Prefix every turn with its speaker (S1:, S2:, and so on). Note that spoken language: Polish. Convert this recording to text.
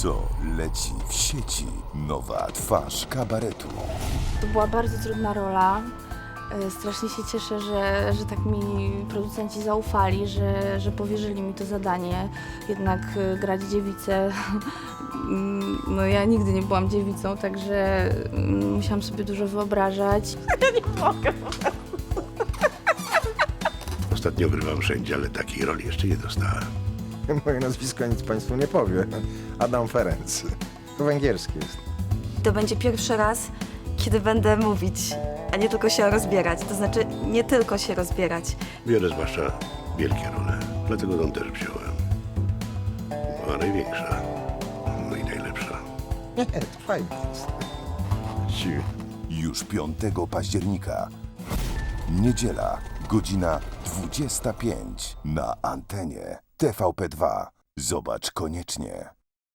S1: Co leci w sieci? Nowa twarz kabaretu.
S2: To była bardzo trudna rola. Strasznie się cieszę, że tak mi producenci zaufali, że powierzyli mi to zadanie. Jednak grać dziewicę, no ja nigdy nie byłam dziewicą, także musiałam sobie dużo wyobrażać.
S3: Ostatnio grywam wszędzie, ale takiej roli jeszcze nie dostałem.
S4: Moje nazwisko nic państwu nie powie. Adam Ferenc. To węgierskie jest.
S5: To będzie pierwszy raz, kiedy będę mówić, a nie tylko się rozbierać. To znaczy, nie tylko się rozbierać.
S3: Biorę zwłaszcza wielkie role, dlatego tą też wziąłem. A największa, no i najlepsza.
S4: Nie, to fajnie jest.
S1: Już 5 października. Niedziela, godzina 25 na antenie TVP2. Zobacz koniecznie.